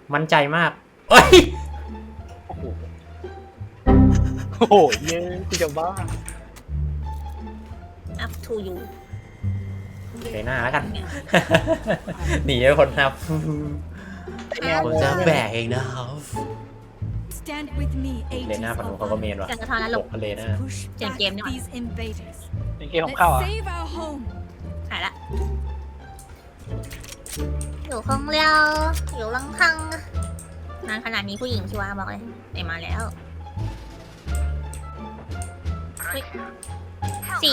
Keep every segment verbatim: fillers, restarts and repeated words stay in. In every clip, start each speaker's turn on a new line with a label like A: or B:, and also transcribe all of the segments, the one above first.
A: มั่นใจมากเอ้ย
B: โอ้โหโอ้โหเย้กูจะบ้า
C: up to you
A: ไปหน้าแล้วกัน หนีไปคนครับผมจะแบกเองนะครับเลน่าปนุเขาก็เมนว่ะ
C: กันกระทอนแล้วหลบ
A: เลน่า
C: เปลี่ยนเกมดีกว่า
B: เป็นเกมของเข้าอ่ะ
C: หายละอยู่คงเรียวอยู่ลังคังนานขนาดนี้ผู้หญิงชัวร์บอกเลยไปมาแล้วเฮ้ยสี่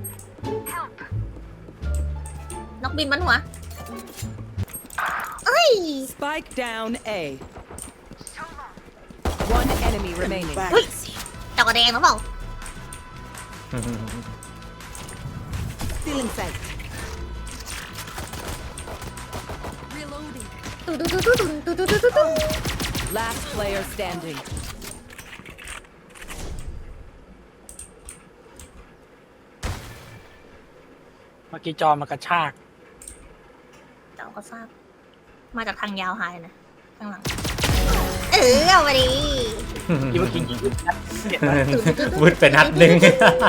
C: นกบินบนหัวเอ้ย
D: Spike down A. One enemy remaining.
C: เฮ้ยดอกกระแดงหรือเปล่า
D: Still in sight.
C: ตุ๊ดตุ๊ดตุ๊ดตุ๊ดตุ๊ดตุ๊ดตุ๊ดตุ๊ด
D: Last player standing.
B: เมื่อกี้จอมันกระชาก
C: เจ้าก็ทราบมาจากทางยาวหายนะข้างหลังเออเอาไปดิ
B: ที่เมื่อกี้ยิงเห็นไหม
A: วุดไปนัดหนึ่ง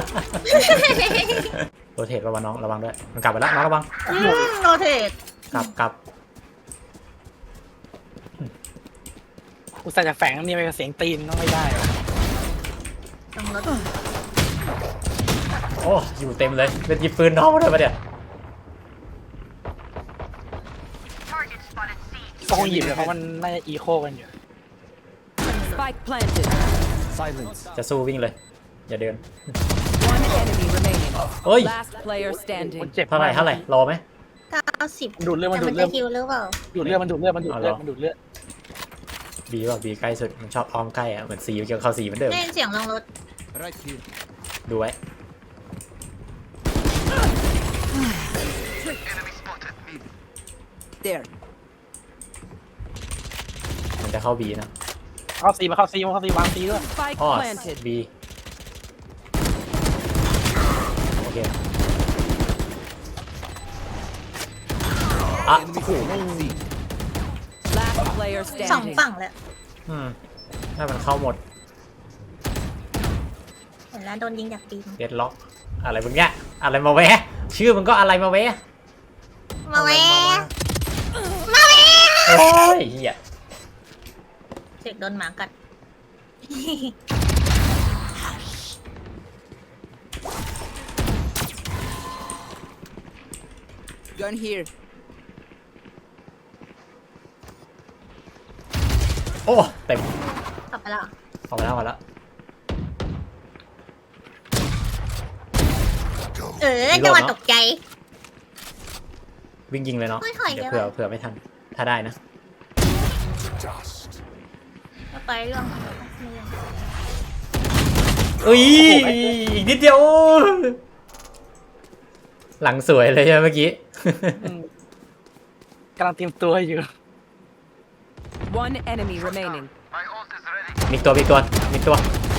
A: โรเทตระวังน้องระวังด้วยมันกลับไปแล้วน้องระวัง
C: อืมโรเทต
A: กลับกลับ
B: กูใส่จะแฝงนี่ไปกับเสียงตีนต้องไม่ได้
C: ต้องรถ
A: โอ้อยู่เต็มเลยเป็นยิบปืนน้องมาเลยปะเนี่ย
B: ต้องหยิบเลยเพราะมันน่าจะอีโคกันอยู่
D: Spike planted.
A: จะสู้วิ่งเลยอย่าเดิน
D: One enemy remaining.
A: เฮ้ย
D: Last player
B: มัน
D: standing.
B: เจ็บ
A: เท่าไหร่เท่าไหร่รอไหม
C: เก้าสิบ
B: ดูดเลือดมัน
C: แต่
B: ดู
C: มั
B: ด
C: น
B: เลือ
C: จะ
B: ด
C: คิวหรือเปล่า
B: ดูดเลือดมันดูดเลือดมันดูดเลือดมันดูดเลือด
A: บีป่ะบีใกล้สุดมันชอบอ้อมใกล้อะเหมือนสีเกี่ยวเข้าสีเหมือนเดิม
C: ได้ยินเสียงลงรถ
A: ดูไว้
D: There.
A: มันจะเข้าบีนะ
B: เข้าซีมาเข้าซีมาเข้าซีวางซีด้วย
D: Spike
A: อ้อ
D: planted.
A: บีโอเคอ่ะโอ้โห
D: Last player
C: สอง
D: standing.
C: ฝั่งเลย
A: อืมถ้ามันเข้าหมด
C: เห็นแล้วโดนยิงจากปีน
A: เดดล็อกอะไรมึงเนี่ยอะไรมาแวะชื่อมันก็อะไรมาแวะ
C: มาแวะมาแวะ
A: โอ้ยเหี้ย
C: เสกโดนหมากัด
D: Gun here.
A: โอ้เต็ม
C: กลับไปแล้ว
A: ออกมาแล้วออกมาแล้ว
C: เออจังหวะตกใจ
A: วิ่งยิงเลยเนาะ
C: ไม่ถอย
A: เดี๋ยว
C: เยอะ
A: เผื่อเผื่อไม่ทันถ้าได้นะ
C: ไปเรื่อง
A: เอ้ยอีกนิดเดียวหลังสวยเลยใช่ไหมเมื่อกี้
B: อืมกำลังเตรียมตัวอยู่
D: One enemy remaining.
A: มีตัวมีตัวมีตัว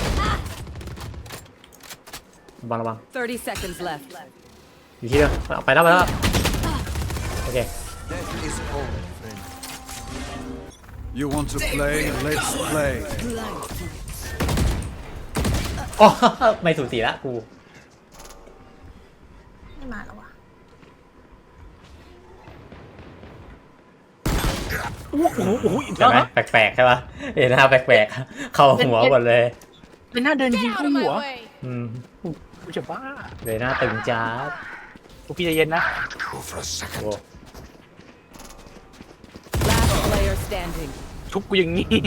A: ระวังระวัง
D: Thirty seconds left.
A: อยู่ที่เดิมเอาไปแล้วไปแล้วโอเค
E: You want to play? Let's play.
A: โอ้ไม่สูสีละกู
C: ไม่มาแล้ววะ
B: โอ้โหโอ้โหอีก
A: ใช่
B: แล้ว
A: ไหม
B: นะ
A: แปลกๆใช่ปะเอ็นหน้าแปลกๆเข้าหัวหมดเลย
B: เป็นหน้าเดินยิงเข้าหัว
A: อืม
B: กูจะบ้า
A: เลยหน้าตึงจ้าด
B: กูพี่ใจเย็นนะ
A: โอ้
D: Last player standing.
B: ทุบกูอย่างนี้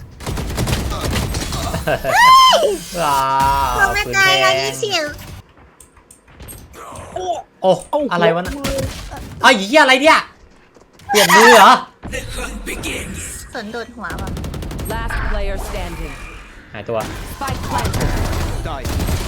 A: ว้า
C: ลงไม่ได้แล้วยี่สิบ
B: โอ้
A: โอ้อะไรวะน่ะไอ้เหี้ยอะไรเนี่ยเปลี่ยนมือเหรอ
C: สนโดดหัวว่ะ
D: Last player standing.
A: หายตัว
D: Spike planted.
E: Die.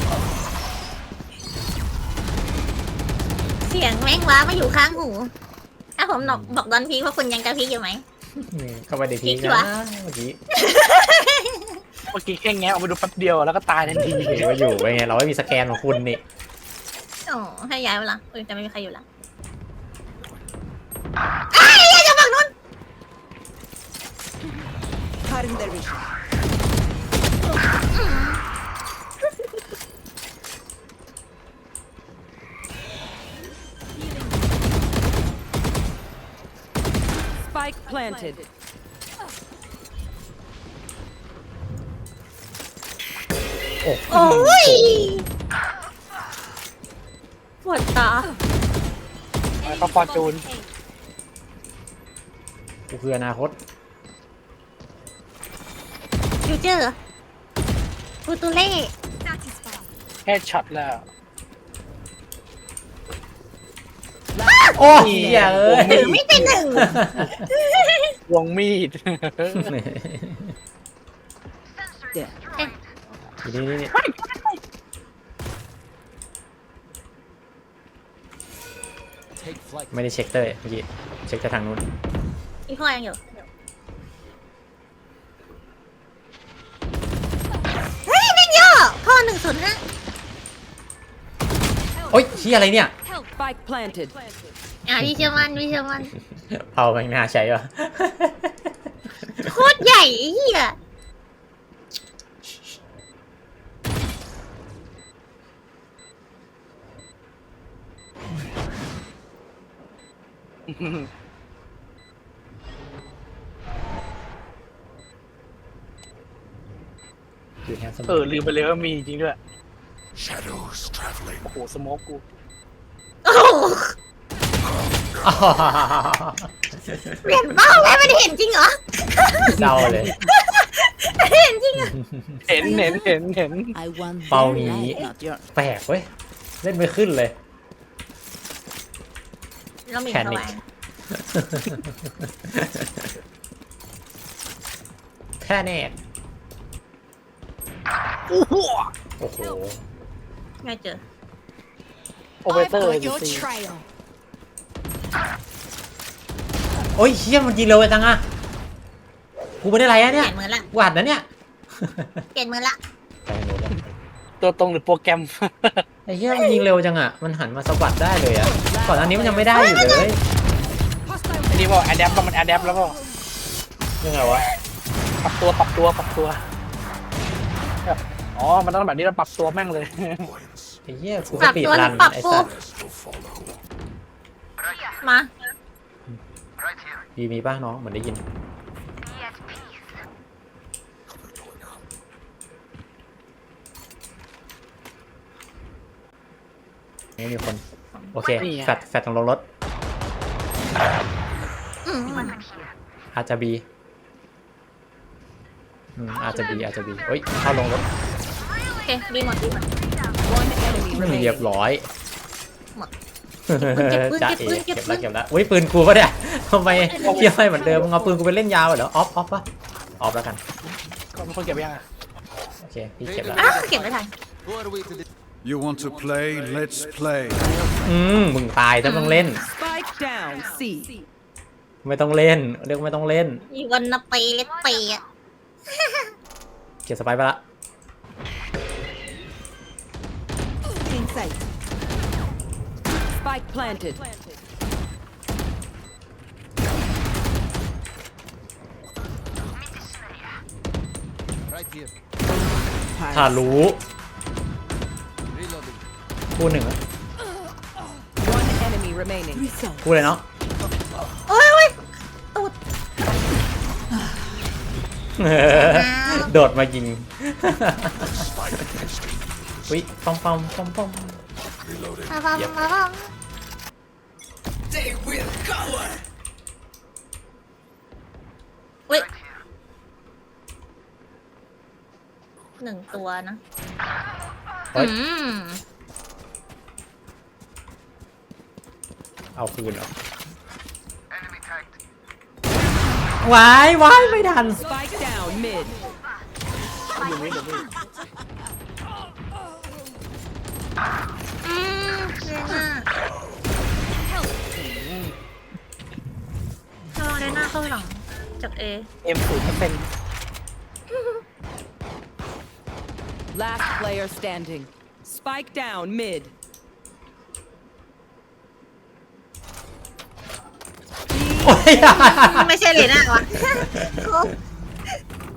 C: เสียงแม่งว้ามาอยู่ข้างหูถ้าผมบอกบอกดอนพีว่าคุณยังกระพริบอยู่ไหม
A: อืมเข้าไปในที
C: พลิกดี
A: นะ
C: วะ
A: เมื่อกี้
B: เมื่อกี้แค่แงะออกไปดูแป๊บเดียวแล้วก็ตายทันที
A: เห็นว่าอยู่ไปไงเราไม่มีสแกนของคุณนี่
C: อ๋อให้ย้ายเวลาเออจะไม่มีใครอยู่ละอ้ายอย่าจะฝั่งนู้น
D: Cutting their vision. Spike planted.
A: โอ้
C: โอ้ยปวดตา
B: แล้วก็ฟอร์จูน
A: กูคืออนาคต
C: ฟิวเจอร์ฟูตูเล่
B: แค่ช็อตแล้ว
A: โอ้ยเหี้ยเอ้ย
C: ถือไม่เป็นหนึ่ง
B: วงมีด
D: Yeah.
A: นี่นี่นี่ไม่ได้เช็คเตอร์เมื่อกี้เช็คแต่ทางนู้น
C: อีพ่อยังอยู่เฮ้ยแม่งเยอะพ่อหนึ่งศูนย์นะ
A: โอ้ยเหี้ยอะไรเนี่ย
D: Spike planted.
C: อ่ะพี่เชื่อมันพี่เชื่อมัน
A: เผาแม่งน่าใช้ปะ
C: โคตรใหญ่ไอ้เหี้ย
A: อยู่แค่สม
B: เออลืมไปเลยว่ามีจริงด้วย
E: Shadows traveling.
B: โอ้โหสโมกกู
C: โอ้โหเปลี่ยนเป้าแล้วมันเห็นจริงเหรอ
A: เศร้าเลย
C: เห็นจริงเหรอ
B: เห็นเห็นเห็นเห็น
D: I want
A: เป้า
D: their
A: นี้
D: life, not yours.
A: แปลกเว้ย เล่นไม่ขึ้นเลย
C: เรามี
A: แพ
C: ส
A: นิค
C: วาย
A: แค่แน่
B: โอ้โห
A: โอ้โห
C: ไม่เจอ
B: โอเปอเรเตอร์ซี
A: โอ้ยเชี่ยมันยิงเร็วไปจังอะกูไม่ได้ไรอะ
C: เป
A: เนี่
C: ลี่
A: ย
C: ยนมือละ
A: กูอัดนะเนี่ย
C: เปลี่ยนมือละ
A: ไปโน้ตเลย
B: ตัวตรงหรือโปรแกรม
A: ไอ้เหี้ยมันยิงเร็วจังอะมันหันมาสะบัดได้เลยอะก่อนอันนี้มันยังไม่ได้อยู่เลย
B: อันนี้บอกแอดแอปแล้วมันแอดแอปแล้วก็
A: ยังไงวะ
B: ปรับตัวปรับตัวปรับตัวแบบอ๋อมันต้องแบบนี้เราปรับตัวแม่งเลย
A: ไอ้เหี้ยกู
C: ป
A: ส
C: รับ
A: ปีด
C: ตัว
A: รัน
C: ปรับ
A: ไอ้
C: ปู
A: สัตว์
C: มา
A: มีมีป่ะน้องเหมือนได้ยินไม่มีคน โอเค
B: นี่ไง
A: แฟดแฟดตรงลงรถ
C: อืมมัน
A: อาจจะบีอืมอาจจะบีอาจจะบีเฮ้ยเข้าลงรถ
C: โอเคดีหมดดีหมด
D: One enemy
A: ไม่มีเรียบ
D: remaining.
A: ร้อย
C: หมด
A: จ้า
C: เก็บปื
A: เอ๋
C: นเก็
A: เก็
C: บบ ปื
A: แล้ว
C: น
A: เก็บแล้วอุ้ยปืนกูปะเนี่ยทำไมเทียบให้เหมือนเดิมมึงเอาปืนกูไปเล่นยาวเหรอออฟออฟปะออฟแล้วกัน
B: ก็เป็นคนเก็บยังอ่ะ
A: โอเคพี่เก็บแล้ว
C: อ้าวเก็บไม่ทัน
E: You want to play? Let's play.
A: อืมมึงตายถ้าต้องเล่น
D: Spike down. C.
A: ไม่ต้องเล่นเรียกไม่ต้องเล่น
C: อีวันนาเปเลตเปอะ
A: เก็บสไปร์ไปละ
D: Inside. Spike planted.
E: Right here.
A: ถ้ารู้
E: Reloading.
A: พูดหนึ่งอะ
D: One enemy remaining.
A: พูดเลยเนาะ
C: โอ้ยโอ้ยตูด
A: โดดมายิงอุ้ยปอมปอมปอมปอม
C: มาบังมาบังอุ้ยหนึ่งตัวนะ
A: เฮ้ย
C: อืม
A: เอาคืนเหรอวายวายไม่ทัน
D: Spike down mid.
B: อยู่นี่เดี๋ยวนี้
C: อืมเรน่าเราเรน่าเข้าหลังจากเอ
B: เอ็มศูนย์เปอร์เซ็นต์
D: Last player standing. Spike down mid.
A: โอ้ย
C: ไม่ใช่เรน่าวะ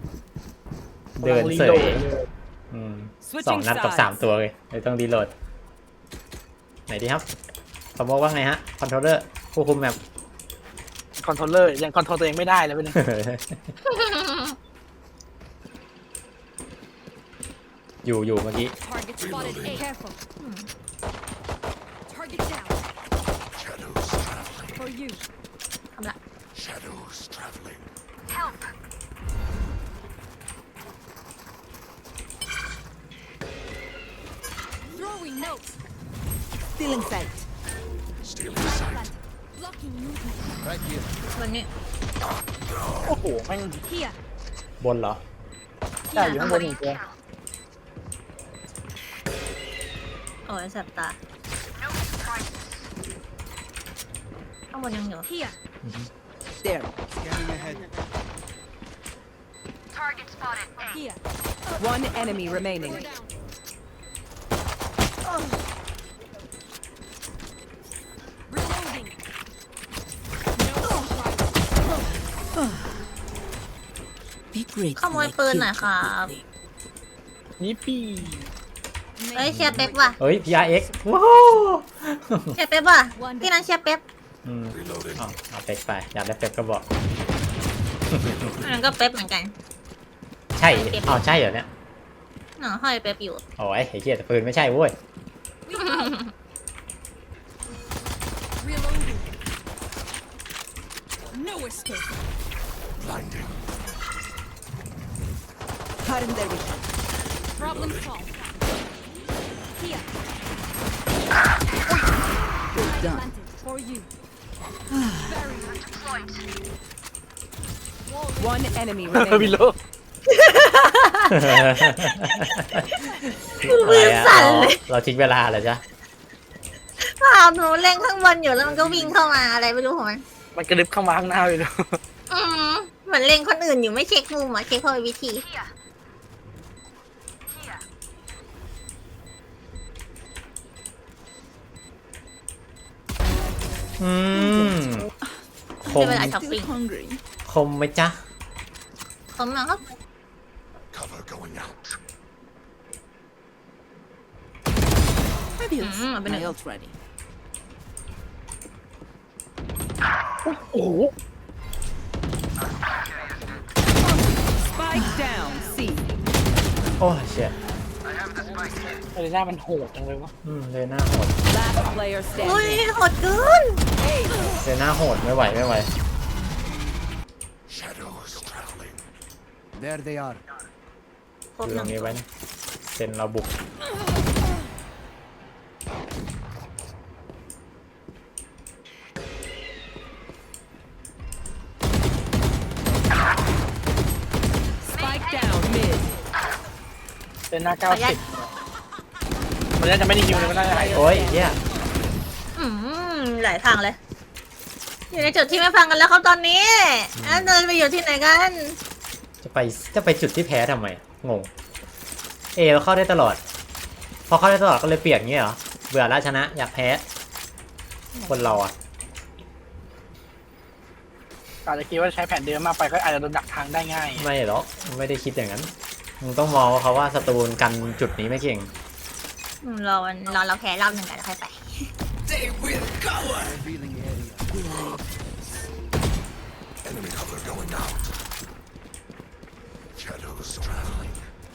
A: เดินเสย
B: กำลังรีโหลด
A: อืม
D: Switching
A: สองนัดกับ
D: sides
A: สามตัวเลยเลยต้องรีโหลด ไหนดีครับสมมติว่าไงฮะ คอนโทรลเลอร์ผู้คุมแมป
B: คอนโทรลเลอร์ยังคอนโทรลตัวเองไม่ได้เลยเป็นง
A: อยู่อยู่เมื่อกี้
F: Target spotted A. Careful. Target down.
E: Shadows traveling.
F: For you.
C: ทำละ
E: Shadows traveling.
F: Throwing notes.
D: Stealing sight.
E: Stealing sight.
F: Blocking movement.
E: Right here.
C: วันนี้
B: โอ้โหแม่ง
F: Here.
A: บนเหรอ
B: ใช่อยู่ข้างบนอีกตัว
C: โอ้ยแสบตาข้างบนยังอยู่
F: Here.
D: There.
E: Scanning ahead.
F: Here.
D: One enemy remaining.
F: We're down. Reloading. No.
D: Be great.
C: ขโมยปืนหน่อยครับ
B: นี่ปี
C: เฮ้ยเชียร์เป๊ปว่ะ
A: เฮ้ย พี อาร์ เอ็กซ์ ว้าว
C: เชียร์เป๊ปว่ะพี่นั้นเชียร์เป๊ป
A: อืม
E: Reloading.
A: เอาเอาเป็กไป อยากได้เป็กก็บอก
C: อันนั้นก็เป๊ปเหมือนกัน
A: ใช่อ้าวใช่เหรอเนี่ย
C: เนาะห้อยเป๊ปอยู่
A: โอ้ยไอ้เหี้ยแต่ปืนไม่ใช่เว้ย
F: Reloading. No escape.
E: Blinding.
D: Cutting their vision.
F: Problem solved. Here.
D: Well done.
F: Planted. For you. Barrier deployed.
D: One enemy
B: วิ
D: remaining.
B: โล
C: มือสั่นเลย
A: เราทิ้งเวลาเหรอจ๊ะ
C: เปล่าหนูเล่นข้างบนอยู่แล้วมันก็วิ่งเข้ามาอะไรไม่รู้ของมัน
B: มันกระดึบเข้ามาข้างหน้าเลย
C: อืมเหมือนเล่นคนอื่นอยู่ไม่เช็คมุมอ่ะเช็คเข้าไปวิธี
A: อืม ค
C: เป็น
A: ม
C: เวลาช้อปปิ้ง
D: hungry.
A: คมไหมจ๊ะ
C: ผมนะครับ
E: Cover going out.
D: Fabulous.
C: Mm, I've been
D: My
C: a-
D: ult ready.
B: โอ้โห
D: Spike down. C.
A: โอ้ยเชี่ย
B: เอเลน่ามันโหดจังเลยวะ
A: อืมเลยหน้าโหด
D: Last player
C: อุ้ย
D: standing.
C: โหดเกิน
A: เลยหน้าโหดไม่ไหวไม่ไหว
E: Shadows traveling. There they are.
C: ครบ
A: คือ
C: ห
A: ตร
C: นึ่ง
A: งนี้ไว้นะเซ็นเราบุก
D: Spike down mid.
B: เป็นหน้าเก้าสิบมันน่าจะไม่ได้ยิวเลยมันน่าจะหาย
A: โอ้ยเหี้ย
C: อืมหลายทางเลย อยู่ในจุดที่ไม่ฟังกันแล้วครับตอนนี้แล้วเดินไปอยู่ที่ไหนกัน
A: จะไปจะไปจุดที่แพ้ทำไม งง เอเราเข้าได้ตลอด พอเข้าได้ตลอดก็เลยเปลี่ยนเงี้ยเหรอ เบื่อแล้วชนะอยากแพ้ คนเราอ่ะ
B: อาจจะคิดว่าใช้แผนเดิมมากไปก็อาจจะโดนดักทางได้ง่าย
A: ไม่หรอกไม่ได้คิดอย่างนั้น มึงต้องมองว่าเขาว่าศัตรูกันจุดนี้ไม่เก่ง
C: อืมรอวันรอเราแพ้รอบหนึ่งกันแล้วค่อยไป
E: Revealing area. Enemy cover going out. Shadows traveling.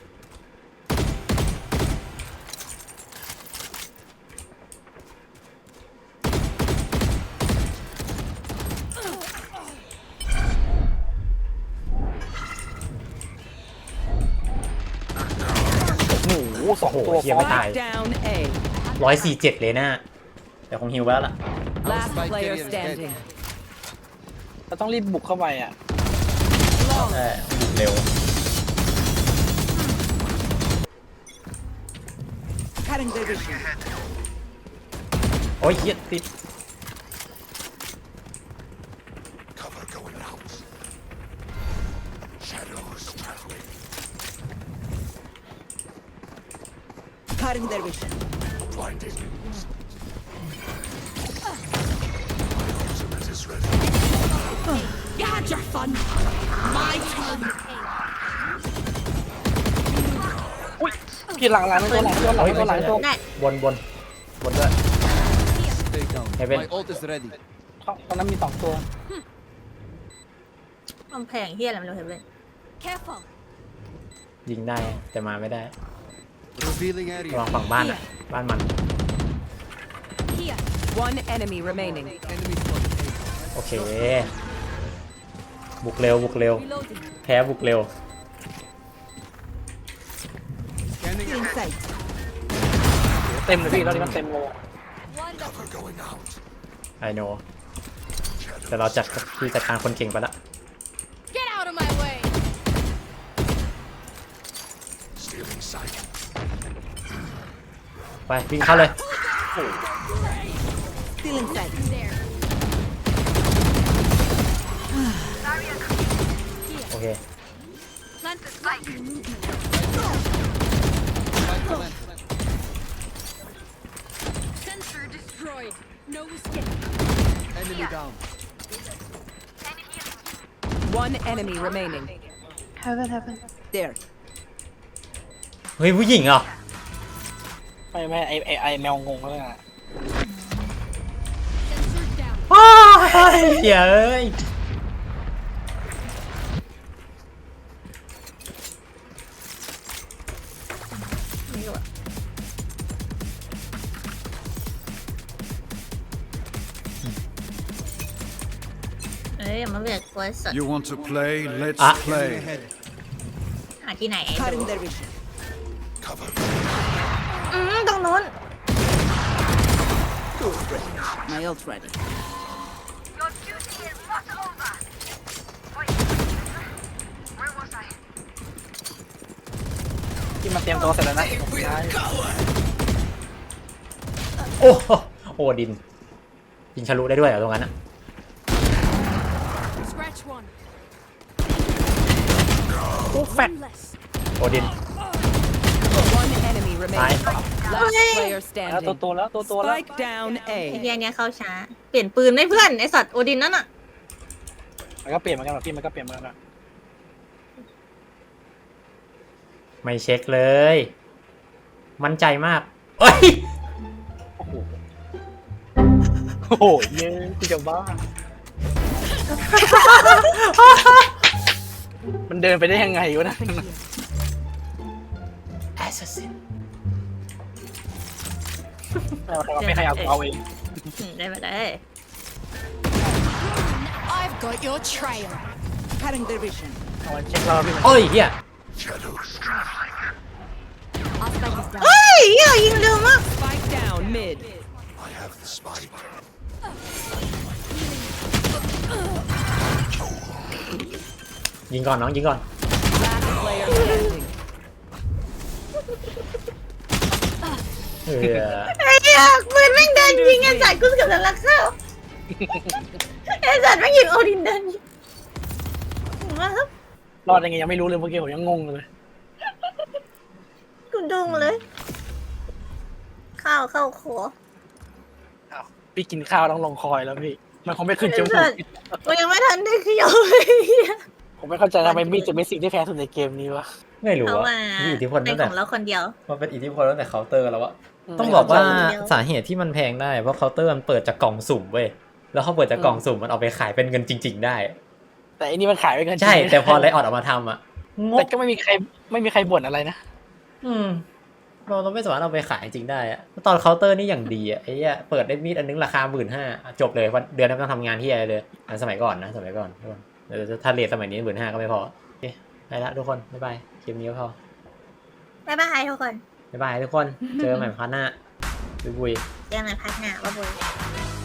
B: โอ้โหสอง
A: โอ้โห
B: ตัว
A: เหี้ยไม่ตาย
D: Spike down A.
A: ร้อยสี่เจ็ดเลยนะแต่คงฮิวไว้แล้วล่ะ
D: Last
E: Spike
D: player
E: carrier is
D: standing.
B: เราต้องรีบบุกเข้าไปอ่ะ
A: เออบุกเร็ว
D: Cutting their vision.
A: โอ้ยเหี้ยติด
E: Cover going out. Shadows traveling.
D: Cutting their vision.
E: Blinding. Ultimate is ready.
F: You had your fun. My turn.
B: พี่หลังหลังตัวหลังตัวหลังตัวหลังตัว
C: ได้
A: บนบนบนด้วย
E: Stay down.
A: Heaven.
E: My ult is ready.
B: ตอนนั้นมีสองตัว
C: กำแพงเฮียอะไรไม่รู้เห็นเลย
F: Careful.
A: ยิงได้แต่มาไม่ได้
E: Revealing
A: ระวัง
E: area.
A: ฝั่งบ้านอ่ะบ้านมัน
F: Here.
D: One enemy remaining.
E: Enemy spotted.
A: โอเค บุกเร็วบุกเร็ว
F: Reloading.
A: แพ้บุกเร็ว
E: Scanning
D: In
E: ahead.
D: sight.
B: เต็มเลยพี่ตอนนี้มันเต็มเลย
F: Wonderful.
A: ไอโนแต่เราจัดที่จัดการคนเก่งไปละ
F: Get out of my way.
A: ไปวิ่งเข้าเลย
D: Still in sight.
F: There.
A: โอเค
F: Plant the spike. Sensor destroyed. No escape.
E: Enemy down.
D: One enemy remaining. There.
A: เฮ้ยผู้หญิงเหรอ
B: ไม่ไม่ไอไอไอแมวงงแล้วนะ
F: Sensor down.
A: อ้าวเหี้ยเอ้ย
C: ไม่รู้อะเอ้ยอย่ามาเบียดกลัวสด
E: You want to play? Let's
A: Ah.
E: play.
C: หาที่ไหนไอ้
D: Cutting
C: ดู
D: their vision.
C: อืมตรงนู้น
D: My ult ready.
F: Your duty is not over. Wait. Where was I?
B: ที่มันเตรียมตัวเสร็จแล้วนะสุดท้าย
A: โอ้โหโอ้ดิน ยิงทะลุได้ด้วยเหรอตรงนั้นอะ
F: Scratch one.
B: โอ้แฟด
F: One less.
A: โอ้ดิน
D: One enemy remaining. Last player
B: แล้วตัว
D: standing.
B: ตัวแล้วตัวตัวแล้ว
D: Spike down
C: ไอ้
D: A.
C: เฮียเนี้ยเข้าช้า เปลี่ยนปืนได้เพื่อนไอสัตว์โอดินนั่นอะ
B: มันก็เปลี่ยนเหมือนกันหรอพี่มันก็เปลี่ยนเหมือนกันอะ
A: ไม่เช็คเลย มั่นใจมากเอ้ย
B: โอ้โหโอ้โหเย้กูจะบ้ามันเดินไปได้ยังไงวะนะ
A: แอสซัสซิน
B: ไม่ใครเอากูเอาเอง
C: อืมได้มาได้
F: I've got your trail.
D: Cutting their vision.
B: เอามาเช็คเราพี่มัน
A: โอ้ยเฮีย
F: Our spike is down.
C: เฮ้ยเฮียยิงเร็วมาก
D: Spike down mid.
E: Spike.
A: ยิงก่อนน้องยิงก่อน
D: Last player standing.
A: เออ
C: ไอ้เหี้ยปืนแม่งเดินยิงไอ้สัตว์กูเกือบจะรักเข้าไอ้สัตว์แม่งยิงโอดินเดินยิงมาครับ
B: รอดยังไงยังไม่รู้เลยเมื่อกี้ผมยังงงเลย
C: กูดุงเลย ข้าวเข้าคอ
B: อ้าวพี่กินข้าวต้องลงคอยแล้วพี่มันคงไม่ขึ้นจมูก
C: กูยังไม่ทันได้เคี้ยวเลยเหี้ย
B: ผมไม่เข้าใจทำไมมีดจะเป็นสิ่งที่แพ้สุดในเกมนี้วะ
A: ไม่รู้
C: เพราะ
A: ว่า
C: ว่า
A: มีอิทธิพล
C: เป็
A: ตั้
C: น
A: งแต่
C: ของเราคนเดียว
A: มันเป็นอิทธิพลตั้งแต่เคาน์เตอร์แล้วอะ
B: อืม
A: ต้องบอกว่า
C: ไม่เข้าใจ
A: สาเหตุที่มันแพงได้เพราะเคาน์เตอร์มันเปิดจากกล่องสุ่มเว้ยแล้วเขาเปิดจากกล่องสุ่มมันเอาไปขายเป็นเงินจริง ๆ ได้
B: แต่อันนี้มันขายไปเกิน
A: ใช่แต่พอไลออดออกมาทำอะง
B: แต่
A: ก
B: ก็ไม่มีใครไม่มีใครบ่นอะไรนะ
A: อืมเราเราไม่สามารถเอาไปขายจริงได้อะตอนเคาน์เตอร์นี่อย่างดีอะไอ้เหี้ยเปิดได้มีดอันนึงราคาหมื่นห้าจบเลยวันเดือนนั้นไม่ต้องทำงานที่อะไรเลยอันสมัยก่อนนะสมัยก่อนทุกคนเดี๋ยวถ้าเรทสมัยนี้หมื่นห้าก็ไม่พอโอเคไปละทุกคนบ๊ายบายคลิปนี้ก็พอ
C: บ๊ายบายทุกคน
A: บ๊ายบายทุกคนเจอกันใหม่พาร์ทหน้าบุยบุย
C: เจอกันในพาร์ทหน้าบ๊ายบาย